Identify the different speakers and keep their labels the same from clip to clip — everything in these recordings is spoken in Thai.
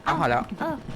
Speaker 1: เอาพอแล้ว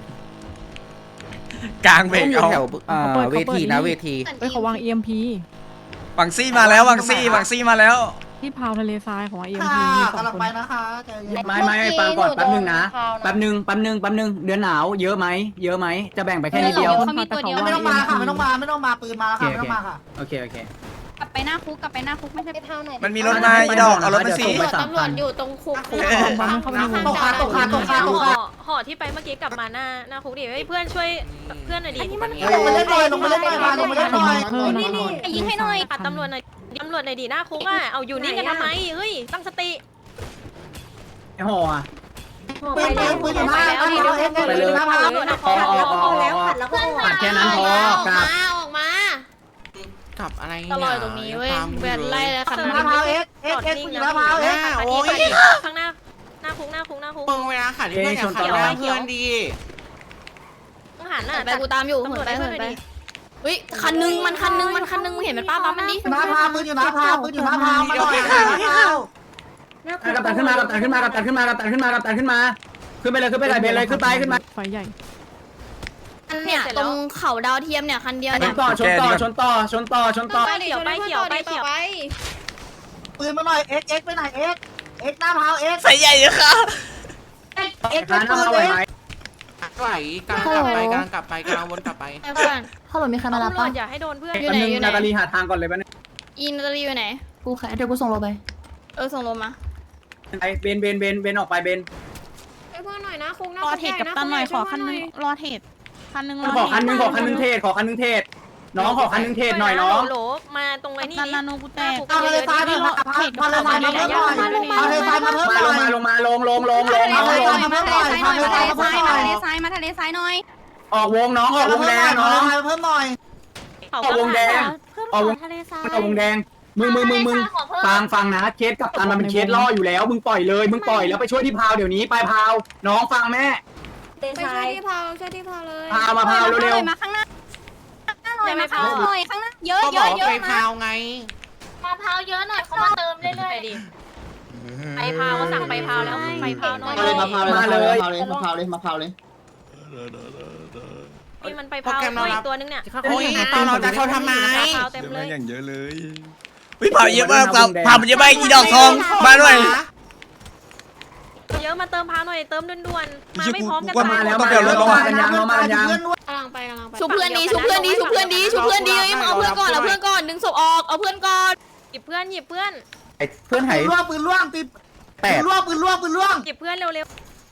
Speaker 2: กลางเบรก
Speaker 1: อยู่
Speaker 2: เอา
Speaker 1: แถวเวทีนะเวที
Speaker 3: เฮ้ยเขาวาง EMP
Speaker 2: วังซี่มาแล้ววังซี่มาแล้ว
Speaker 3: ที่พาวทะเลทรายของ EMP
Speaker 4: ค่ะ
Speaker 3: มี2
Speaker 4: กำลัง
Speaker 3: คน
Speaker 4: ไปนะคะใจเย็น
Speaker 5: ไม่ฟังก่อนแป๊บนึงนะแป๊บนึงเดือนหนาวเยอะไหมจะแบ่งไปแค่นิดเดียว
Speaker 3: เขามีตัวเดียว
Speaker 4: ไม่ต้องมาค่ะไม่ต้องมาปืนมาแล้วค่ะไม่ต้องมาค่ะ
Speaker 5: โอเค
Speaker 6: กลับไปหน้าคุกไม่ใช่ไปเท่าไหน
Speaker 2: มันมีรถมาอีดอกเอารถมาสิ
Speaker 6: ตำรวจอยู่ตรงคุก
Speaker 4: ตกขา
Speaker 7: ห่อที่ไปเมื่อกี้กลับมาหน้าคุกดิเฮ้ยเพื่อนช่วยเพื่อนหน่อยดิ
Speaker 4: ลงมาเล่นหน่อยลงมาเล่นหน่อยมาลงมาเล่นหน่อย
Speaker 6: ยิงให้หน่อย
Speaker 7: ปัดตำรวจหน่อยดิหน้าคุกอ่ะเอาอยู่นิ่งกันทำไมเฮ้ยตั้งสติ
Speaker 5: ไอ้ห่ออ่ะ
Speaker 4: ปืนอยู่หน้าปืนอยู่หน้าพา
Speaker 5: ผ่านแค่นั้นพอกลับ
Speaker 6: ออกมา
Speaker 1: กับอะไร
Speaker 6: ตลอดตรงนี้เว้ยเวียนไล่แล้วคัน
Speaker 4: หน้าพาเอ็กปืนอยู่หน้าพาเอ็ก
Speaker 7: โอ้ยข้างหน้าคุก
Speaker 1: มึงเวลาขัดเพื่อนอย่าขัดหน้าเพื่อนดี
Speaker 7: ต้องหันน่ะ
Speaker 6: ไปกูตามอยู่เหินไปเฮ้ยคันนึงมันคันนึงมึงเห็นมันป้าปั๊มมันดิ
Speaker 4: หน้าพาปืนอยู่หน้าพาปืนอยู่หน้าพามาหน่อย
Speaker 5: กับตันขึ้นมาขึ้นไปเลยขึ้นไป
Speaker 3: ไฟใหญ่
Speaker 6: เนี่ยตรงเขาดาวเทียมเนี่ยคันเดียว
Speaker 5: ช
Speaker 6: เนี่ย
Speaker 5: นต่อ
Speaker 7: ไปเขียว
Speaker 4: ปืนมาหน่อยเอ็กไปไหนเอ็กหน้าพาเอ็ก
Speaker 2: ใส่ใหญ่เลยค่ะ
Speaker 4: เอ็ก
Speaker 5: ร้าน
Speaker 4: ปื
Speaker 5: เอา
Speaker 4: น
Speaker 5: ไหว
Speaker 4: เอ็ก
Speaker 5: ไหม
Speaker 1: ไหวกลางกลับไปกลางกลับไปกลางวนกลับไป
Speaker 6: เพื่อน
Speaker 8: ฮัลโหลมีใครมารับ
Speaker 7: ตำรว
Speaker 8: ป่ะ
Speaker 7: จอย่าให้โดนเพื่อน
Speaker 6: อยู่ไหน
Speaker 5: นาตาลีหาทางก่อนเลยบ้าน
Speaker 6: อินนาตาลีอยู่ไหน
Speaker 8: กูแค่เดี๋ยวกูส่งโลไป
Speaker 6: ส่งลมมา
Speaker 5: ไปเบนออกไปเบน
Speaker 7: เพื่อนหน่อยนะคุก
Speaker 3: รอเทรดกับตันหน่อยขอคันนึงรอเทรดคันนึง
Speaker 5: ขอคันนึงเทศน้องขอคันนึงเทศหน่อยน้อง
Speaker 7: โหลมาตรงไอ้นี่
Speaker 3: ตันนาโนกูแตก
Speaker 4: เอาเลยซ้ายมาพาเลยซ้ายมาเพิ่มหน่อยเอาเลยซ้ายมาเพิ่มหน่อย
Speaker 5: ลงมาลง
Speaker 4: เอาเลยซ้ายมาเพิ่มหน่อยพาเลยซ้ายมาเพิ่มหน่อย
Speaker 6: มาทะเลทรายหน่อย
Speaker 5: ออกวงน้องออกวงแดงน้อง
Speaker 4: เพิ่มหน่อย
Speaker 5: ออกวงแดงออกวงแดงมึงฟังนะเคสกับตันมันเป็นเคสล่ออยู่แล้วมึงปล่อยแล้วไปช่วยที่พาวเดี๋ยวนี้ไปพาวน้องฟังแม่
Speaker 6: ไปช่วยที่พาวเลย
Speaker 5: พาวมาพาวเร็ว
Speaker 6: มาข้างหน้าหน่อยมาพาวหน่อยข้างหน้าเยอะ
Speaker 1: ก็
Speaker 6: เย
Speaker 1: บอ
Speaker 6: อะ
Speaker 1: ก
Speaker 6: เยอะ
Speaker 1: ไปพาวไง
Speaker 6: มาพาวเยอะหน่อยเขามาเติมเรื่อย
Speaker 7: ดิไปพาวสั่งไปพาวแล้วไปพาวน้อย
Speaker 5: มาเลย
Speaker 7: นี่มันไปพาวอีกตัวนึงเนี่ย
Speaker 1: โอ้ยตอนเราจะเข้าทำไม
Speaker 7: พาวเต็มเลย
Speaker 2: อย่างเยอะเลยวิเผาเยอะมากเผามันเยอะมากอีดอกทองมาด้วย
Speaker 7: เยอะมาเติมพาวหน่อยเติมด่วนๆมาไม่พร้อมกัน
Speaker 5: มาแล้วมากันยัง
Speaker 6: ๆกำลังไปชุบเพื่อนดีชุบเพื่อนดีมาเอาเพื่อนก่อนดึงศพออกเอาเพื่อนก่อน
Speaker 7: หยิบเพื่อน
Speaker 1: เพื่อนหาย
Speaker 4: ปืนล่วงตีปืนล่วง
Speaker 7: หยิบเพื่อนเร็ว
Speaker 5: น้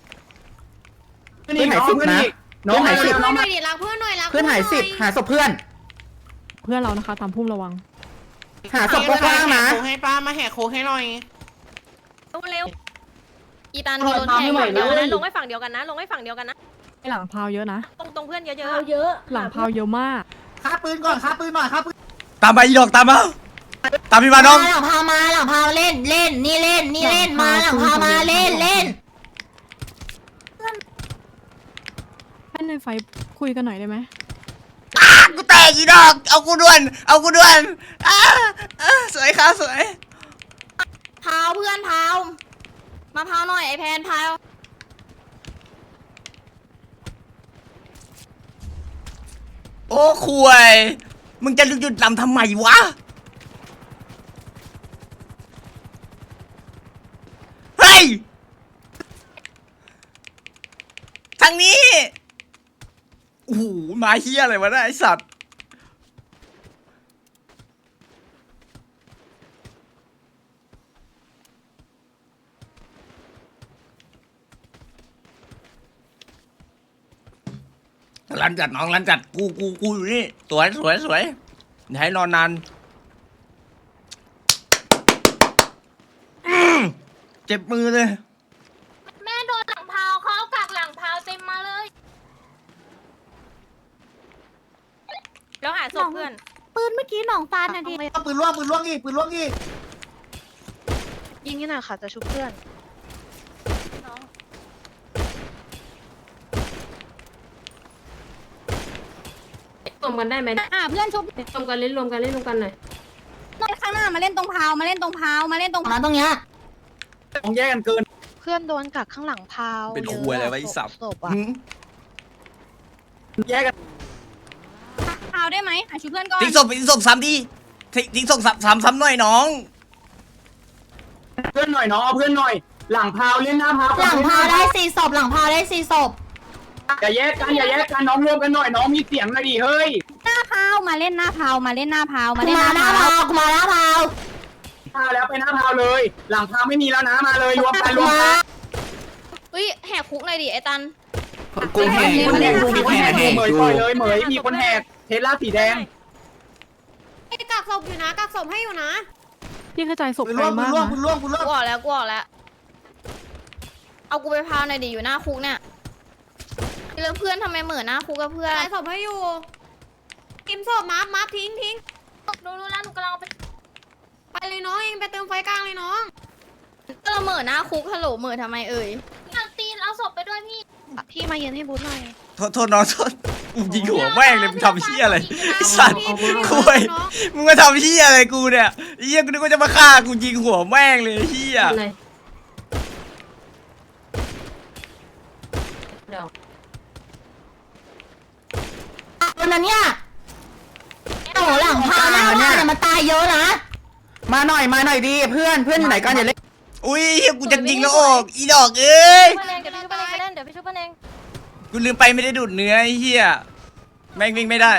Speaker 5: องหายสิบ
Speaker 6: เพื่อนหน่อยดิรักเพื่อนหน่อยรัก
Speaker 1: เพื่อนหาย10หาศพเพื่อน
Speaker 3: เพื่อนเรานะคะตามพุ่มระวัง
Speaker 1: หาศพกว้างๆนะให้ป้ามาแหกโค้งให้หน่อย
Speaker 7: เร็ว
Speaker 6: อีตันโดนแทง
Speaker 7: เดี๋ยวนะลงให้ฝั่งเดียวกันนะ
Speaker 3: ไอหลังพาวเยอะนะ
Speaker 7: ตรงเพื่อนเยอะ
Speaker 3: หลังพาวเยอะมาก
Speaker 4: ฆ่าปืนก่อนฆ่าปืนหน่อยฆ่าปืน
Speaker 2: ตามไปอีดอกตามมาตามพี่มาน้อง
Speaker 8: หลังพามาหลังพาเล่นนี่เล่นมาหลังพามาเล่น
Speaker 3: ให้ในไฟคุยกันหน่อยได้ไหม
Speaker 2: กูแตกอีดอกเอากูด่วนสวยค่ะสวย
Speaker 6: พาวเพื่อนพาวมาพาวหน่อยไอแพนพาว
Speaker 2: โอ้คุยมึงจะหยุดลำทำไมวะเฮ้ยทางนี้โอ้โหมาเฮียอะไรวะเนี่ยไอสัตว์รันจัดน้องรันจัดกูอยู่นี่สวยอย่าให้นอนนานเจ็บมือเลย
Speaker 6: แม่โดนหลังพาวเขากักหลังพาวเต็มมาเลย
Speaker 7: แล้วหาศพเพื่อน
Speaker 6: ปืนเมื่อกี้หนองตาลนะดิ
Speaker 4: ปืนล่วงอีก
Speaker 7: ยิงนี่หน่อยค่ะจะชุบเพื่อน
Speaker 9: รวมกันได้ไหม
Speaker 6: เพื่อนชุบ
Speaker 9: รวมกันเล่นหน่อย
Speaker 6: ข้างหน้ามาเล่นตรงพาวมาเล่นตรง
Speaker 8: มาตรงเนี้ย
Speaker 5: ต้องแยกกันเกิน
Speaker 4: เพื่อนโดนกักข้างหลังพาว
Speaker 2: เป็นครัวอะไรวะไอ้สับ
Speaker 4: ศพอะ
Speaker 5: แยกกัน
Speaker 8: พาวได้ไหมช่วยเพื่อนก่อน
Speaker 2: ทิ้งศพซ้ำดิทิ้งศพซ้ำหน่อยน้อง
Speaker 5: เพื่อนหน่อยน้องเอาเพื่อนหน่อย หลังพาวเล่นหน้าพาว
Speaker 8: หลังพาวได้4ศพหลังพาวได้4ศพ
Speaker 5: อย่าแยกกันน้องรวมกันหน่อยน้องมีเสียงหน่อยดิเฮ้ย
Speaker 8: หน้าพาวมาเล่นหน้าพาวมาเล่นหน้าพาวมาเล่นหน้าพาวมาหน้าพาว
Speaker 5: พาวแล้วไปหน้าพาวเลย หลังพาวไม่มีแล้วนะมาเลยรวมกัน
Speaker 6: เฮ้ยแหกคุกหน่อยดิไอ้ตัน
Speaker 1: กูแหก
Speaker 5: มีคนแหก
Speaker 1: กูแหก
Speaker 5: เหมยปล่อยเลยเหมยมีคนแหกเทสลาสีแดง
Speaker 6: กักศพอยู่นะกักศพให้อยู่นะ
Speaker 3: พี่กระจายศพไกลมากนะ
Speaker 6: กูออกแล้วเอากูไปพาวหน่อยดิอยู่หน้าคุกเนี่ยเรื่องเพื่อนทำไมเหมือนหน้าคุกกับเพื่อนศพให้อยู่กิมศพมาทิ้งรู้แล้วหนูกำลังไปเลยน้องเองไปเติมไฟกลางเลยน้องก็เราเหมือนหน้าคุกฮัลโหลเหมือนทำไมเอ่ยตีนเอาศพไปด้วยพี่
Speaker 4: พี่มายืนให้บูธหน่อย
Speaker 2: โทษน้องโทษมึงยิงหัวแม่งเลยมึงทำเหี้ยอะไรไอ้สัตว์คุยมึงมาทำเหี้ยอะไรกูเนี่ยไอ้เหี้ยกูนึกว่าจะมาฆ่ากูยิงหัวแม่งเลยเหี้ย
Speaker 9: เลย
Speaker 8: คนนั้นเนี่ยโอ้หลังพาวหน้าพาวเนี่ยมันตายเยอะนะ
Speaker 5: มาหน่อยดิเพื่อนอยู่ไหนกันอย่าเล่น
Speaker 2: อุ้ยเหี้ยกูจะยิงแล้วออกอีดอกเอ้ย
Speaker 7: เพื่อนเองเดี๋ยวพี่ชุบเพื่อนเองเดี๋ยวพี่ชุบเพื่อนเอง
Speaker 2: กูลืมไปไม่ได้ดูดเนื้อไอ้เหี้ยแม่งวิ่งไม่ได้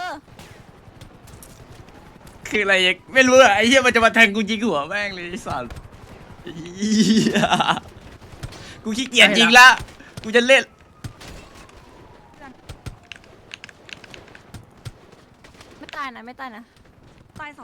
Speaker 2: คืออะไรยังไม่รู้อะไอ้เหี้ยมันจะมาแทงกูยิงหัวแม่งเลยไอ้สัสเหี้ยกูขี้เกียจยิงละกูจะเล่น
Speaker 7: ไม่ตายนะไม่ตายนะตาย2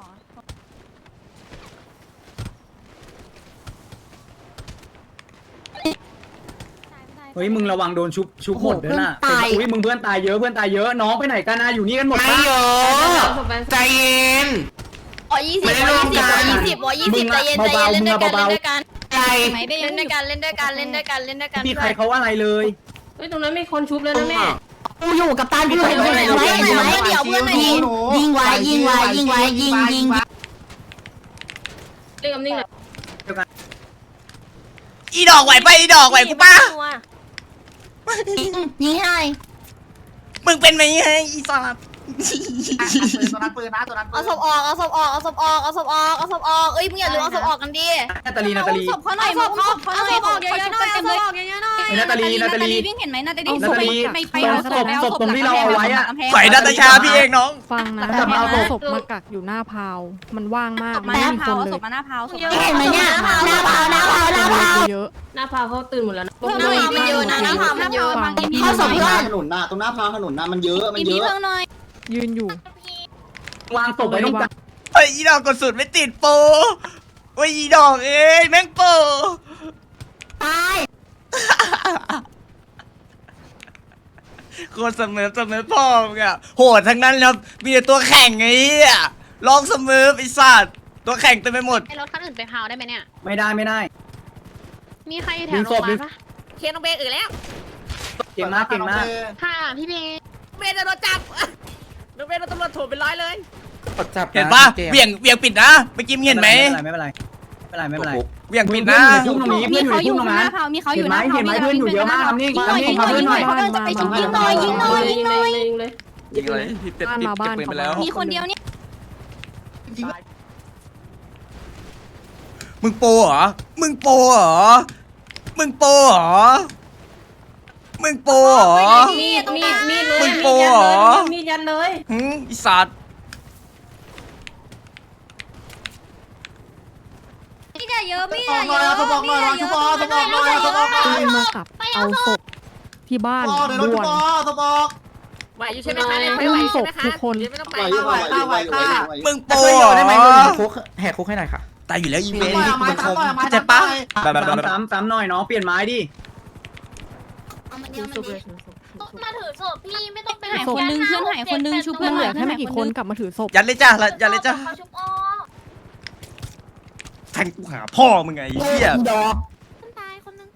Speaker 5: เฮ้ยมึงระวังโดนชุบหมดด้วยนะอุ้ยมึงเพื่อนตายเยอะน้องไปไหนกันนะอยู่นี่กันหมด
Speaker 1: ไม่เยอะ
Speaker 9: เอาศพไป
Speaker 1: ใจเย็น
Speaker 6: 20
Speaker 1: ไม่ได้ร่วมกัน
Speaker 6: 20ใจเย็นเล่นด้วยกัน
Speaker 1: ใจ
Speaker 6: เล่นด้วยกัน
Speaker 5: พี่ใครเขาอะไรเลย
Speaker 9: เฮ้ยตรงนั้นมีคนชุบแล้วนะแม่
Speaker 8: กูอยู่กับตันพี่ไหวไหมเดี๋ยวเพื่อนยิงไว้ยิง
Speaker 9: เรียกกำนิ่งเลย
Speaker 2: อีดอกไหวไปอีดอกไหวกูป้า
Speaker 8: ยิงให้
Speaker 2: มึงเป็นไหมไอ้อีสัส
Speaker 1: ตัวนั้นปืนนะตัวนั้น
Speaker 6: เอาศพออกเอ้ยมึงอย่าลืมเอาศพออกกันดิ
Speaker 5: นาตาลี
Speaker 6: ศพเขาหน่อยเอาศพออกเยอะๆหน่อยเอาศพออกเยอะๆหน่อย
Speaker 5: นาตาลี
Speaker 8: วิ่งเห็นไหมนาตาลี
Speaker 5: นาตาลีศพตรงที่เราเอาไว้อะ
Speaker 2: ไฝ่นาตาชาพี่เองน้อง
Speaker 3: ฟังนะ
Speaker 5: แต่มาเอา
Speaker 3: ศพมากักอยู่หน้าพาวมันว่างมาก
Speaker 8: มา
Speaker 3: ไม่
Speaker 8: หน้า
Speaker 3: มีค
Speaker 8: พาวน
Speaker 3: เลย
Speaker 8: ศพมาหน้าพาวเห็นไหมเนี่ยหน้าพาว
Speaker 3: เยอะ
Speaker 9: หน้าพาเขาตื่นหมดแล้วนะ
Speaker 6: หน้าพาวมันเยอะนะหน้าพาวมันเยอะ
Speaker 3: ฟัง
Speaker 8: เข้าศพเพื่อน
Speaker 5: ถนนน่ะตรงหน้าพาวถนนน่ะมันเยอะ
Speaker 8: พี่เพิ่งหน่อย
Speaker 3: ยืนอยู่
Speaker 5: วางศพไว้ตรงกลาง
Speaker 2: ไอ้ยอีดอกกดสุดไม่ติดโปโอ้ยอีดอกเอ้ยแม่งโป
Speaker 8: ตาย
Speaker 2: โคตรเสมอพ่อมึงอะโหดทั้งนั้นครับมีแต่ตัวแข่งไอ้เหี้ยลองเสมอไอ้สัตว์ตัวแข่งเต็มไปหมด
Speaker 7: ไอ้รถคันอื่นไปพาวได้ไหมเนี่ย
Speaker 5: ไม่ได้
Speaker 7: มีใครอยู่แถวโรงพยาบาลปะ
Speaker 6: เคนน้องเบย์อื่นแล้ว
Speaker 5: เก่งมาก
Speaker 7: ค่ะพี่เบย์
Speaker 6: เบย์จะโดนจับน้องเบย์โดนตำรวจโถมเป็นร้อยเลย
Speaker 1: จับ
Speaker 2: เห็นปะเบี่ยงปิดนะเมื่อกี้มึงเห็นไหม
Speaker 5: ไม่เป็นไร
Speaker 2: เบี่ยงปิดนะ
Speaker 5: พุ่งตรงนี้
Speaker 8: มี
Speaker 5: เพื่อนอยู่
Speaker 8: เขา
Speaker 5: ใน
Speaker 8: อยู่
Speaker 5: พุ่งตรง
Speaker 8: ห
Speaker 5: นั้
Speaker 8: น้าน พาวมีเขาอยู่หน้าพาว
Speaker 5: เห็นไหมเพื่อนอยู่เยอะมากทำนิ่งทำเพื่อนหน่อย
Speaker 8: เขาจะไปชุบยิงหน่อย
Speaker 9: ยิงเลยยิงเลย
Speaker 2: ยิงอะไรพี่เต็ม
Speaker 3: บ้านมาบ้าน
Speaker 2: ปืนไปแล้ว
Speaker 8: มีคนเดียวเนี่ย
Speaker 2: มึงโปเหรอมึงโปเหรอมึงโปเหรอมึงโปเหรอ
Speaker 9: มีดเลย
Speaker 2: มึงโปเหรอ
Speaker 9: มีดยันเลย
Speaker 2: หึอีสัตว์
Speaker 8: มีแต่เยอะมี
Speaker 1: ออกหน่อยเอาตัวบอกหน่อยชุบอตัวบอกหน่อยตัวบอกหน่อย
Speaker 3: ต้องมากลับเอาศพที่บ้าน
Speaker 1: เดี๋ยวเรา
Speaker 3: ด่
Speaker 1: ชุ
Speaker 3: วน
Speaker 1: ตัวบอก
Speaker 6: ไหวอยู่ใช่ไหมคะ
Speaker 3: ไม่มีศพทุกคน
Speaker 6: ไม่ต้องไป
Speaker 2: มึงโปเหรอ
Speaker 1: แหกคุกให้หน่อยค่ะ
Speaker 2: ตายอยู่แล้วอีเม
Speaker 1: ไม่
Speaker 2: ล
Speaker 1: ไม้
Speaker 2: มัน
Speaker 1: ซ้ำหน่อยไม้
Speaker 2: เข้าใจปะ
Speaker 5: ซ้ำหน่อยน้องเปลี่ยนไม้ดิ
Speaker 6: มาถือศพพี่ไม่ต้องไป
Speaker 8: หายคนนึงเพื่อนหายคนนึงชุบ
Speaker 3: เพื่
Speaker 8: เพื่
Speaker 3: อ
Speaker 8: อน น
Speaker 3: เหลือแค่ไม่กี่คนกลับมาถือศพ
Speaker 2: ยัดเลยจ้ายัดเลยจ้า
Speaker 6: เขาชุบอ
Speaker 2: แทงกูหาพ่อมึงไงไอ้เหี้ย
Speaker 6: คนตายคนนึง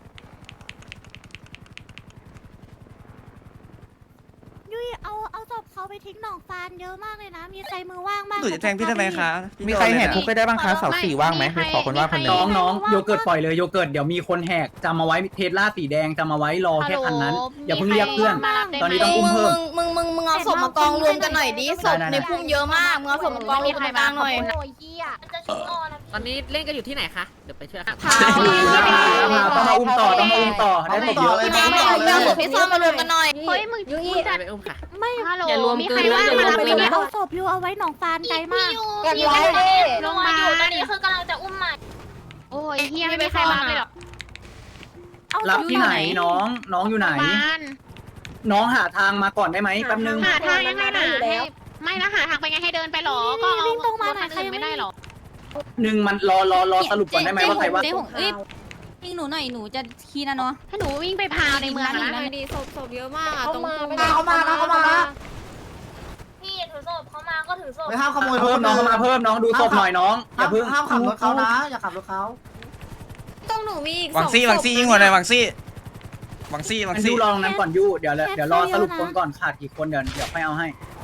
Speaker 6: ยุ้ยเอาศพเขา
Speaker 8: เขาไปทิ้งหนองฟานเยอะมากเลยนะมีใครมือว่างมาก
Speaker 2: หนูจะแทงพี่ทำไมคะ
Speaker 10: มีใครแหกคุกไปได้บ้างคะเสาสี่ว่างไหมขอคนว่างคนหนึง
Speaker 5: น้องโยเกิร์ตปล่อยเลยโยเกิร์ตเดี๋ยวมีคนแหกจำมาไว้เทสลาสีแดงจำมาไว้รอแค่คันนั้นอย่าเพิ่งเรียกเพื่อนตอนนี้ต้องอุ้มเพิ่ม
Speaker 6: มึงเอาศพมากองรวมกันหน่อยดิศพในพุ่มเยอะมากมึงเอาศพมากองรวมกันกลางหน่อย
Speaker 7: ตอนนี้เล่นกันอยู่ที่ไหนคะเดี๋ยวไปช่วยค่ะ
Speaker 5: ต้องมาอุ้มต่อได้ศพเยอะ
Speaker 6: พี่น้องเอาศพพี่ซ่อมมารวมกันหน่อย
Speaker 9: เฮ้ยมึงยูอี
Speaker 7: ไปอุ้มค่ะ
Speaker 8: ไม่ฮัลโหล
Speaker 9: อย่ารวมเกินนะอย่ารวมเกินนะ
Speaker 8: เอาศพอยู่เอาไว้หนองฟานไกลมาก
Speaker 6: กันไว้
Speaker 4: ลงมาตอนนี้คือกำลังจะอุ้มใหม่โอ้ยเฮียไม่มีใครมาเลยหรอ
Speaker 5: รับที่ไหนน้องอยู่ไหน น้องหาทางมาก่อนได้ไหมแป๊บนึง
Speaker 4: หาทางยังไงนะไม่นะหาทางไปไงให้เดินไปหรอก็เอารถคันอื่นไม่ได้หรอ
Speaker 5: หนึ่งมันรอสรุปก่อนได้ไหมว่าใครว่า
Speaker 8: ยิงหนูหน่อยหนูจะคีนะเนาะ
Speaker 4: ถ้าหนูวิ่งไปพาวในเมืองนะ
Speaker 6: ดีศพเยอะมากตรง
Speaker 8: เขามา
Speaker 4: พี่ถือศพเขามาก็ถือศพ
Speaker 10: ไม่ห้ามขโมยร
Speaker 5: เพิ่
Speaker 10: ถ
Speaker 5: มน้องเข้ามาเพิ่มน้องดูศพหน่อยน้องอย่าเพิ่ง
Speaker 10: ห้ามขับรถเขานะ อย่าขับรถเขา
Speaker 6: ต้องหนูมีอีก
Speaker 2: หวังซี่ยิงหัวหน่อยหวังซี่
Speaker 5: ยูรอตรงนั้นก่อนยูเดี๋ยวรอสรุปคนก่อนขาดกี่คนเดี๋ยวค่อยเอาให้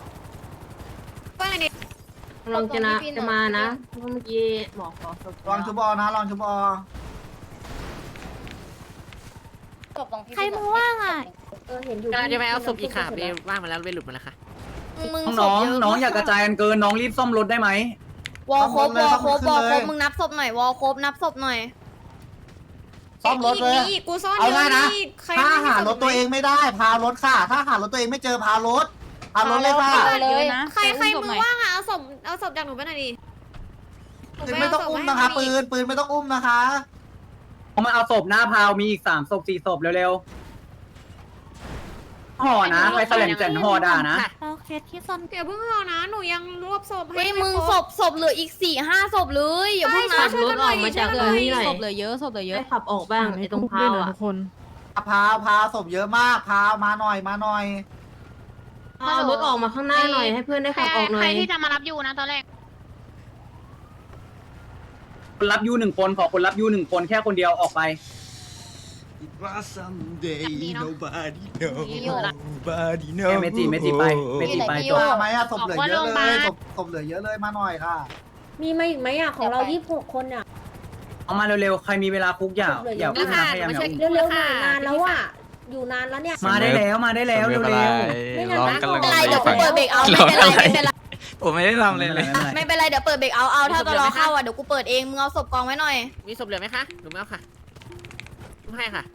Speaker 9: ลองจะมานะเพราะเมื่อกี้บอกขอศพ
Speaker 10: ลองชุบอนะลองชุบอ
Speaker 8: ใครมือว่างอ่ะ
Speaker 9: เห็นอยู่
Speaker 7: กำลังจะไปเอาศพอีกค่ะไปว่างมาแล้วไปหลุดมาแล้วค่ะ
Speaker 5: น้องอย่ากระจายกันเกินน้องรีบซ่อมรถได้ไหม
Speaker 6: วอลครบมึงนับศพหน่อยวอลครบนับศพหน่อย
Speaker 10: ซ่อมรถเลย
Speaker 6: กูซ่อน
Speaker 10: เอา
Speaker 6: เย
Speaker 10: ง่าย
Speaker 6: อะ
Speaker 10: นะ
Speaker 6: นี่ใคร
Speaker 10: ถ้าหารถตัวเองไม่ได้พารถค่ะ ถ้าหารถตัวเองไม่เจอพารถเลยค่ะ
Speaker 8: เลยนะ
Speaker 6: ใครมือว่างอ่ะเอาศพจากหนูไปหน่อยดิ
Speaker 10: ปืนไม่ต้องอุ้มนะคะปืนไม่ต้องอุ้มนะคะ
Speaker 5: เอามาเอาศพหน้าพาวมีอีก3 ศพ 4 ศพเร็วๆห่อนะใครแสลงแจ่นห่อด่านะ
Speaker 8: เราเคสที่ซ่อน
Speaker 6: เดี๋ยวเพิ่งเอานะหนูยังรวบศพให้มึงศพเหลืออีก4-5 ศพเลยอย่าเพิ่งนะ
Speaker 9: ขับรถออกมาจากตรงนี้หน่อย
Speaker 8: ศพเหลือเยอะศพเหลือเยอะ
Speaker 9: ให้ขับออกบ้างไอ้ตรงพาวอ่ะ
Speaker 3: ทุกคน
Speaker 10: พาวศพเยอะมากพาวมาหน่อย
Speaker 9: เอารถออกมาข้างหน้าหน่อยให้เพื่อนได้ขับออกหน่
Speaker 4: ใคร
Speaker 9: อย
Speaker 4: ที่จะมารับอยู่นะตอนแรก
Speaker 5: คนรับยู1 คนขอคนรับยู1 คนแค่คนเดียวออกไป เมจิไปจบ
Speaker 10: มาไหมอะศพเหลือเยอะเลยศพเหลือเยอะเลยมาหน่อยค่ะ
Speaker 9: มีมาอีกไหมอ่ะของเรา26 คนอ่ะ
Speaker 5: เอามาเร็วๆใครมีเวลาคุกอย่าพูดนะพยายามอย่าอุ้ม
Speaker 9: เร็วๆหน่อยนานแล้วอ่ะอยู่นานแล้วเนี่ย
Speaker 5: มาได้แล้วเร็ว
Speaker 2: ร้องกำลัง
Speaker 6: ไม่เป็นไรเดี๋ยวกูเปิดเบรกเอาไม่เป็นไร
Speaker 2: ผมไม่ได้ทำเลย
Speaker 6: ไม่เป็นไรเดี๋ยวเปิดเบรกเอาถ้าตลอเข้าอ่ะเดี๋ยวกูเปิดเองมึงเอาศพกองไว้หน่อย
Speaker 7: มีศพเหลือไหมคะหนูไม่เอาค่ะไม่ให้ค่ะ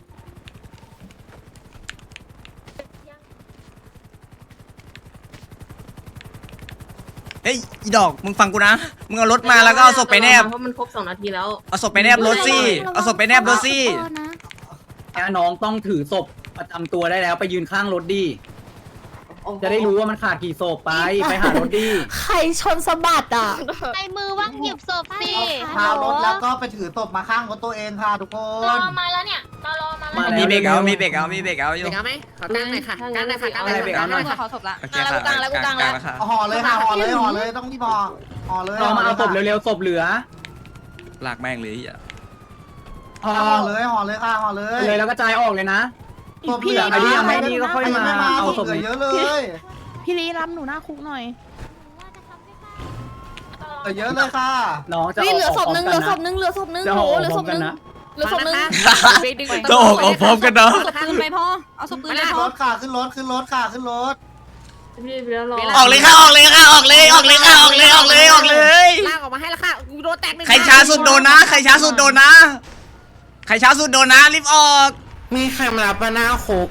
Speaker 2: เฮ้ยอีดอกมึงฟังกูนะมึงเอารถมาแล้วก็เอาศพไปแนบ
Speaker 9: เพราะมันครบ2 นาทีแล้ว
Speaker 2: เอาศพไปแนบรถซี่เอาศพไปแนบรถซี่
Speaker 5: น้องต้องถือศพประจำตัวได้แล้วไปยืนข้างรถดีจะได้รู้ว่ามันขาดกี่ศพไปหารถดี
Speaker 8: ใครชนสะบัดอ่ะ
Speaker 4: ไอ้มือว่างหยิบศพสิ
Speaker 10: พารถแล้วก็ไปถือศพมาข้างรถตัวเองค่ะทุกคน
Speaker 4: รอมาแล้วเนี่ยรอมาแล้ว
Speaker 2: มีเบรกเอาอยู่
Speaker 7: เบรกเอาไหมขอกลางหน่อยค่ะกลางหน่อยค่ะกลางหน่อย
Speaker 5: เบรกเอาหน่อย
Speaker 8: ขอศพละ
Speaker 2: โอเคค่ะกลางแล้วค่ะ
Speaker 10: ห่อเลยค่ะห่อเลยต้องที่ห่อเลย
Speaker 5: รอมาเอาศพเร็วๆศพเหลือ
Speaker 2: ลากแม่งเลยอ่ะ
Speaker 10: ห่อเลยค่ะห่อเลย
Speaker 5: เลยแล้วก็จ่ายออกเลยนะ
Speaker 10: ศพเหลือ
Speaker 5: ใครที่ยังไม่นี่ก็ค่อยมาเอาศพ
Speaker 10: เหลือเยอะเลย
Speaker 3: พี่ลีรับหนูหน้าคุกหน่อย
Speaker 10: เหลือเยอะเลยค่ะ
Speaker 5: น้องจะ
Speaker 6: เหลือศพนึง
Speaker 5: จะ
Speaker 6: เหลื
Speaker 5: อ
Speaker 6: อศพนึง
Speaker 2: จะออกพร้อมกันนะ
Speaker 8: ปืนไปพ่อเอาศพปืนไป
Speaker 10: ขึ้น
Speaker 8: พ่
Speaker 10: ร
Speaker 8: อ
Speaker 10: ถค่ะขึ้นรถขึ้นรถ
Speaker 9: พี่แล้วรอ
Speaker 2: ออกเลยค่ะออกเลยค่ะออกเลยออกเลย
Speaker 7: ลากออกมาให้แล้วค่ะโดนแตก
Speaker 2: ใครช้าสุดโดนนะใครช้าสุดโดนนะรีบออก
Speaker 1: มีใครมารับมาหน้าคุก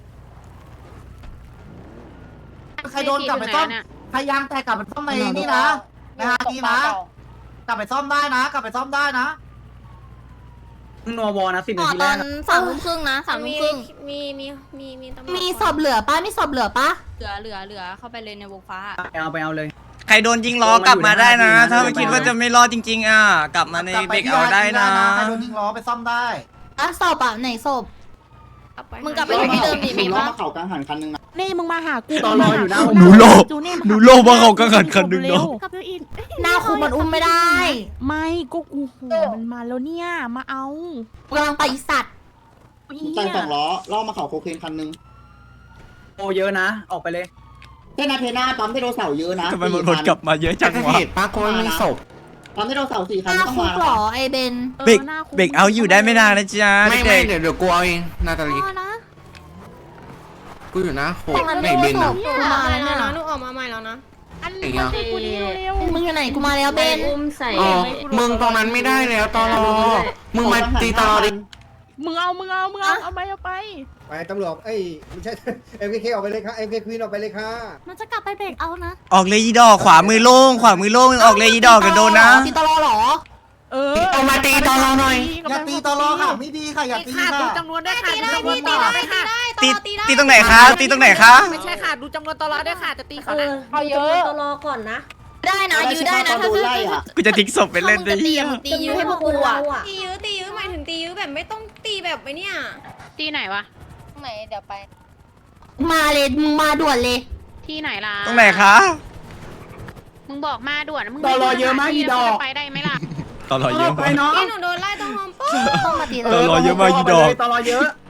Speaker 10: ใครโดนกลับไปซ่อมพยายามแต่กลับไปซ่อมในนี่นะฮะนี่นะกลับไปซ่อมได้นะ
Speaker 5: นัววอนะ10 นาที
Speaker 6: ต
Speaker 5: แร
Speaker 6: อก น3:30นะ3:30
Speaker 8: มีศพเหลือปะมีศพเหลือปะเหลือเข้าไปเลยในวงฟ้า
Speaker 5: ไปเอาเลย
Speaker 2: ใครโดนยิงล้อกลับมาได้นะ ถ้าไม่คิดว่าจะไม่รอดจริงๆอ่ะกลับมาในเบรกเอาได้นะ
Speaker 10: ใครโดนยิงล้อไปซ่อมได้
Speaker 8: อ่ะศพอ่ะไหนศพ
Speaker 6: มึงกลับไปที่เดิมดิมีปะ
Speaker 10: เขากลางหันคันนึงนะ
Speaker 3: นี่มึงมาหากู
Speaker 5: ตอนรออยู่หน้า
Speaker 2: หนูโลภว่าเขาก็ขันคันหนึ่งเนาะ
Speaker 8: กับยูอินหน้าคุมันอุ้มไม่ได้
Speaker 3: ไม่ก็กูโหมันมาแล้วเนี่ยมาเอา
Speaker 8: กำลังไปสัตว์
Speaker 10: ตั้ง2 ล้อล่อมาเขาโคเคนคันนึง
Speaker 5: โอเยอะนะออกไปเลย
Speaker 10: เทนาเทน่าปั๊มไดโนเสาร์เยอะนะ
Speaker 2: ทำไมมันวนกลับมาเยอะจังวะ
Speaker 1: เหตุป้าโกยมีศพ
Speaker 10: ปั๊มไดโนเสาร์4
Speaker 8: ห
Speaker 10: คัน
Speaker 8: น้า
Speaker 10: ต้อง
Speaker 8: คุ
Speaker 10: มาก
Speaker 8: เหรอไอเบน
Speaker 2: เบรกเบรกเอาอยู่ได้ไม่นานนะจ๊ะ
Speaker 1: ไม่
Speaker 2: เด็ก
Speaker 1: เดี๋ยวกูเอาเองนาตาลี
Speaker 8: นะ
Speaker 1: กูอยู่นะโค
Speaker 8: แต่มัน
Speaker 1: ไม่
Speaker 8: ไม่
Speaker 1: บิน
Speaker 8: ส่
Speaker 1: อ่ะ
Speaker 8: งกูมาแล้วเนี่ย
Speaker 7: หนูออกมาใหม่แล้วนะ
Speaker 1: ไอ้เงี้ย
Speaker 8: มึงอยู่ไหนกูมาแล้วเบน
Speaker 9: อุ้มใส่
Speaker 1: อ๋อมึงตรงนั้นไม่ได้แล้วตลอมึงมาตีตลอดิ
Speaker 3: มึงเอาไป
Speaker 11: ไปตำรวจเอ้ยไม่ใช่ MKK ออกไปเลยค่ะ MK Queen ออกไปเลยค่ะ
Speaker 8: มันจะกลับไปเบรกเอานะ
Speaker 2: ออกเลยอีดอกขวามือโล่งออกเลยอีดอกกันโดนนะ
Speaker 8: ตีตลอหรอ
Speaker 1: เอามาตีตลอหน่อย
Speaker 10: อย่าตีตลอค่ะไม่ดีค่ะอย่าตีค่ะ
Speaker 6: ตีได้ตีได้ตีได้
Speaker 2: ตีตรงไหนคะตีตรงไหนคะ
Speaker 7: ไม่ใช่ค่ะดูจำนวนตลอดด้วยค่ะจะตีเขา
Speaker 9: เอาเยอะตลอก่อนนะ
Speaker 8: ได้นะยื้อได้นะ
Speaker 10: โดนไล่อ่ะ
Speaker 2: กูจะทิ้งศพไปเล่นดิ
Speaker 8: ตียื้อให้พวกกูอ่ะ
Speaker 6: ตียื้อหมายถึงตียื้อแบบไม่ต้องตีแบบไอ้เนี่ย
Speaker 4: ที่ไหนวะ
Speaker 6: ไหนเดี๋ยวไป
Speaker 8: มาเลยมึงมาด่วนเลย
Speaker 4: ที่ไหนล่ะ
Speaker 2: ตรงไหนคะ
Speaker 4: มึงบอกมาด่วนมึง
Speaker 5: ตลอเยอะมากอีดอก
Speaker 4: ไปได้ไหมล่ะ
Speaker 2: ตลอดเยอะ
Speaker 5: ไป
Speaker 2: มาก
Speaker 5: น้อง
Speaker 6: พี่หนูโดนไล่ตรงโฮมโปร
Speaker 8: ต้องมาตีเล
Speaker 2: ตลอเยอะมากอีดอก
Speaker 5: ตลอเยอะ